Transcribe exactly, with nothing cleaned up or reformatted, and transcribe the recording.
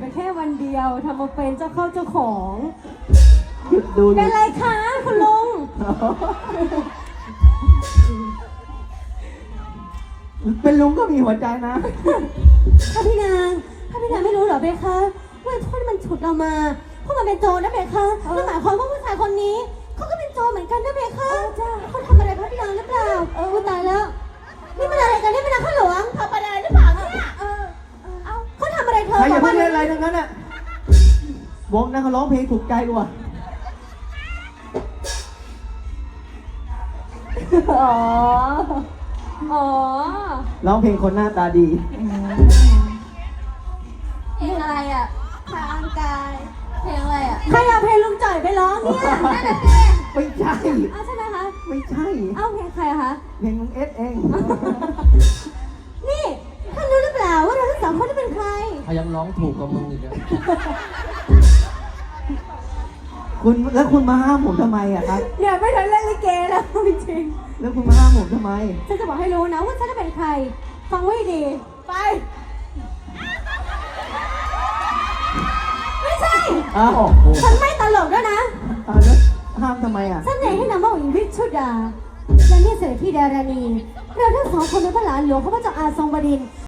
แค่วันเดียวทำมาเป็นเจ้าเข้าเจ้าของหยุดดูเป็นไรคะคุณลุงเป็นลุงก็มีหัวใจนะพระพี่นางพระพี่นางไม่รู้เหรอเบคะว่าโทษมันฉุดเรามาเพราะมันเป็นโจรนะเบคะนั่นหมายความว่าผู้ชายคนนี้เขาก็เป็นโจรเหมือนกันนะเบคะเขาทำอะไรพระพี่นางหรือเปล่าเออตายแล้วนี่มันอะไรกันนี่เป็นนางข้าหลวงทำอะไรหรือเปล่าเนี่ยเออเอาเขาทำอะไรเธอใครอย่าบเพิ่กงว่าเล่นอะไรทั้งนั้นอ่ะวงนั้นเขาร้องเพลงถูกใจกว่าอ๋ออ๋อร้องเพลงคนหน้าตาดีเพลงอะไรอ่ะทางกายเพลงอะไรอ่ะใครเอาเพลงลุงจ่อยไปร้องเนี่ยนั่นแหละสิไม่ใช่อ้าวใช่ไหมคะไม่ใช่เอ้าเพลงใครอะคะเพลงลุงเอสเองนี่ท่านรู้หรือเปล่าว่าเราทั้งสองคนนี่เป็นใครเขายังร้องถูกกว่ามึงอีกอะคุณแล้วคุณมาห้ามผมทำไมอ่ะครับเนี่ยไม่ทันเล่นลิเกแล้วจริงแล้วคุณมาห้ามผมทำไมๆฉันจะบอกให้รู้นะว่าฉันจะเป็นใคร ฟังไว้ดี ไป ไม่ใช่อ้าวฉันไม่ตลกด้วยนะอ้าวแล้วห้ามทำไมอ่ะฉันเองให้นามว่าหญิงวิชุดาและนี่เสด็จพี่ดารานีเราทั้งสองคนเป็นพระหลานหลวงของพระเจ้าอาทรงบดินทร์